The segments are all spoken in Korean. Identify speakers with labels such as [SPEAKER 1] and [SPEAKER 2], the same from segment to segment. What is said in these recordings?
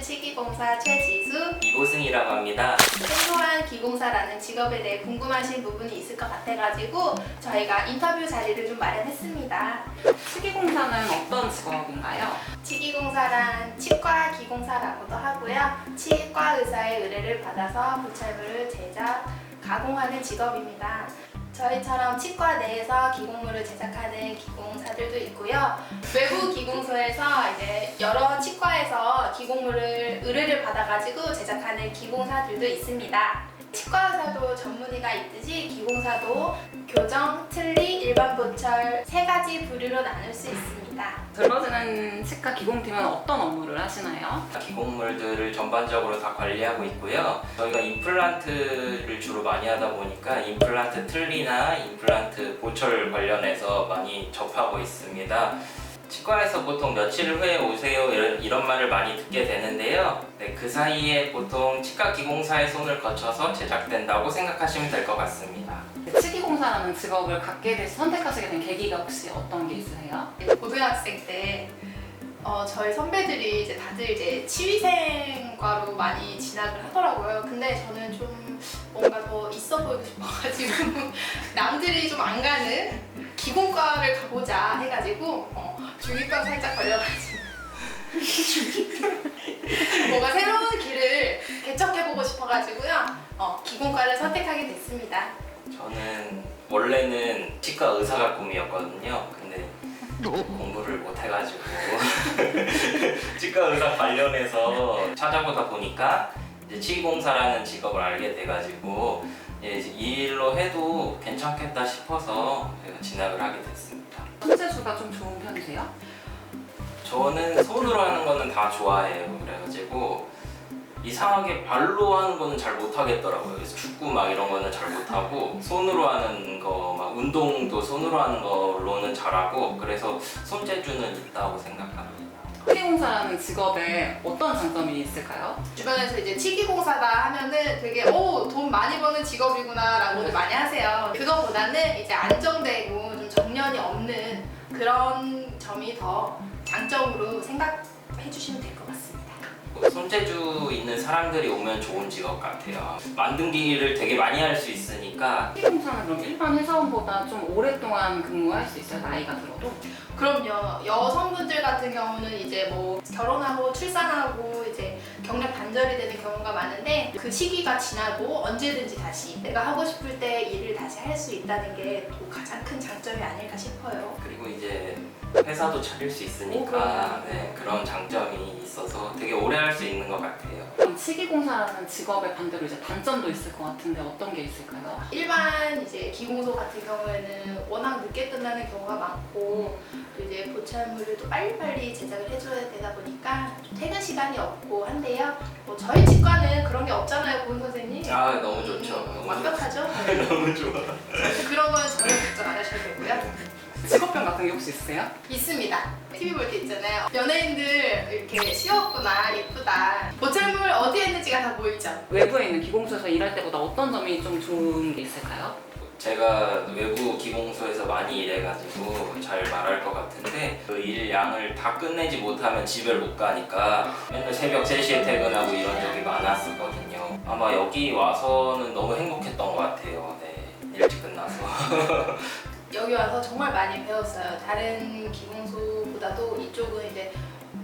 [SPEAKER 1] 치기공사 최지수,
[SPEAKER 2] 이보승이라고 합니다.
[SPEAKER 1] 생소한 기공사라는 직업에 대해 궁금하신 부분이 있을 것 같아가지고 저희가 인터뷰 자리를 좀 마련했습니다.
[SPEAKER 3] 치기공사는 어떤 직업인가요?
[SPEAKER 1] 치기공사란 치과 기공사라고도 하고요. 치과 의사의 의뢰를 받아서 보철물을 제작, 가공하는 직업입니다. 저희처럼 치과 내에서 기공물을 제작하는 기공사들도 있고요. 외부 기공소에서 이제 여러 치과에서 기공물을 의뢰를 받아가지고 제작하는 기공사들도 있습니다. 치과 의사도 전문의가 있듯이 기공사도 교정, 틀니, 일반 보철 세 가지 부류로 나눌 수 있습니다.
[SPEAKER 3] 들러지는 치과 기공팀은 어떤 업무를 하시나요?
[SPEAKER 2] 기공물들을 전반적으로 다 관리하고 있고요. 저희가 임플란트를 주로 많이 하다 보니까 임플란트 틀니나 임플란트 보철 관련해서 많이 접하고 있습니다. 치과에서 보통 며칠 후에 오세요 이런 말을 많이 듣게 되는데요. 네, 그 사이에 보통 치과 기공사의 손을 거쳐서 제작된다고 생각하시면 될 것 같습니다.
[SPEAKER 3] 치기공사라는 직업을 갖게 돼서 선택하시게 된 계기가 혹시 어떤 게 있으세요?
[SPEAKER 1] 고등학생 때 저희 선배들이 이제 다들 이제 치위생과로 많이 진학을 하더라고요. 근데 저는 좀 뭔가 더 있어 보이고 싶어가지고 남들이 좀 안 가는 기공과를 가보자 해가지고 중이병 살짝 걸려가지고 뭔가 새로운 길을 개척해보고 싶어가지고요. 기공과를 선택하게 됐습니다.
[SPEAKER 2] 저는 원래는 치과 의사가 꿈이었거든요. 근데 공부를 못 해가지고 치과 의사 관련해서 찾아보다 보니까 이제 치기공사라는 직업을 알게 돼가지고 이제 이 일로 해도 괜찮겠다 싶어서 제가 진학을 하게 됐습니다.
[SPEAKER 3] 손재주가 좀 좋은 편이세요?
[SPEAKER 2] 저는 손으로 하는 거는 다 좋아해요. 그래가지고 이상하게 발로 하는 거는 잘 못하겠더라고요. 그래서 축구 막 이런 거는 잘 못하고 손으로 하는 거 막 운동도 손으로 하는 걸로는 잘하고 그래서 손재주는 있다고 생각합니다.
[SPEAKER 3] 치기공사라는 직업에 어떤 장점이 있을까요?
[SPEAKER 1] 주변에서 이제 치기공사다 하면은 되게 돈 많이 버는 직업이구나 라고들 많이 하세요. 그거보다는 이제 안정되고 좀 정년이 없는 그런 점이 더 장점으로 생각해 주시면 될 것 같습니다.
[SPEAKER 2] 손재주 있는 사람들이 오면 좋은 직업 같아요. 만든기를 되게 많이 할 수 있으니까.
[SPEAKER 3] 치기공사는 그럼 일반 회사원보다 좀 오랫동안 근무할 수 있어요? 나이가 들어도?
[SPEAKER 1] 그럼요. 여성분들 같은 경우는 이제 뭐 결혼하고 출산하고 이제 경력 단절이 되는 경우가 많은데 그 시기가 지나도 언제든지 다시 내가 하고 싶을 때 일을 다시 할 수 있다는 게 또 가장 큰 장점이 아닐까 싶어요.
[SPEAKER 2] 그리고 이제 회사도 차릴 수 있으니까 네, 그런 장점이 있어서 되게 오래 할 수 있는 것 같아요.
[SPEAKER 3] 그럼 치기공사라는 직업의 반대로 이제 단점도 있을 것 같은데 어떤 게 있을까요?
[SPEAKER 1] 일반 이제 기공소 같은 경우에는 워낙 늦게 끝나는 경우가 많고 또 이제 보철물을 또 빨리빨리 제작을 해줘야 되다 보니까 좀 퇴근 시간이 없고 한데요. 뭐 저희 치과는 그런 게 없잖아요, 고은 선생님.
[SPEAKER 2] 아 너무 좋죠. 너무
[SPEAKER 1] 완벽하죠?
[SPEAKER 2] 좋죠. 너무 좋아.
[SPEAKER 1] 그런 건 전혀 걱정 안 하셔도 되고요.
[SPEAKER 3] 직업병 같은 게 혹시 있으세요?
[SPEAKER 1] 있습니다. TV 볼 때 있잖아요. 연예인들 이렇게 쉬웠구나, 예쁘다. 보철물 어디에 있는지가 다 보이죠?
[SPEAKER 3] 외부에 있는 기공소에서 일할 때보다 어떤 점이 좀 좋은 게 있을까요?
[SPEAKER 2] 제가 외부 기공소에서 많이 일해가지고 잘 말할 것 같은데 그 일 양을 다 끝내지 못하면 집을 못 가니까 맨날 새벽 3시에 퇴근하고 이런 적이 많았었거든요. 아마 여기 와서는 너무 행복했던 것 같아요. 네, 일찍 끝나서.
[SPEAKER 1] 여기 와서 정말 많이 배웠어요. 다른 기공소보다도 이쪽은 이제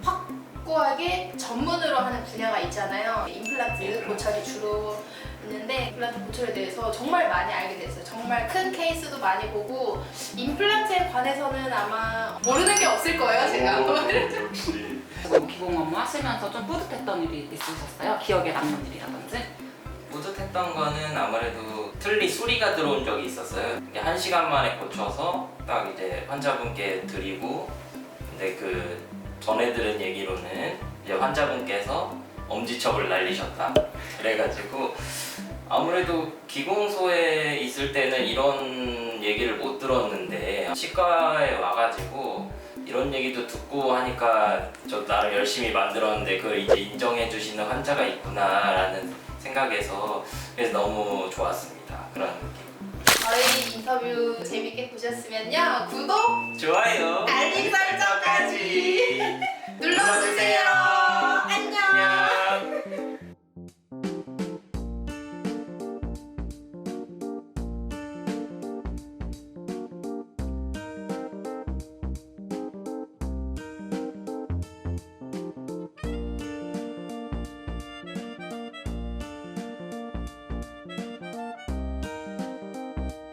[SPEAKER 1] 확고하게 전문으로 하는 분야가 있잖아요. 임플란트 보철이 주로 있는데 임플란트 보철에 대해서 정말 많이 알게 됐어요. 정말 큰 케이스도 많이 보고 임플란트에 관해서는 아마 모르는 게 없을 거예요, 제가.
[SPEAKER 2] 역시.
[SPEAKER 3] 기공 업무 하시면서 좀 뿌듯했던 일이 있으셨어요? 기억에 남는 일이라든지?
[SPEAKER 2] 뿌듯했던 거는 아무래도 틀니 수리가 들어온 적이 있었어요. 이게 1시간 만에 고쳐서 딱 이제 환자분께 드리고 근데 그 전에 들은 얘기로는 이제 환자분께서 엄지척을 날리셨다. 그래가지고 아무래도 기공소에 있을 때는 이런 얘기를 못 들었는데 치과에 와가지고 이런 얘기도 듣고 하니까 저 나름 열심히 만들었는데 그걸 이제 인정해 주시는 환자가 있구나라는 생각에서 그래서 너무 좋았습니다. 그런 느낌.
[SPEAKER 1] 저희 인터뷰 재밌게 보셨으면요. 구독,
[SPEAKER 2] 좋아요.
[SPEAKER 1] 알림 설정까지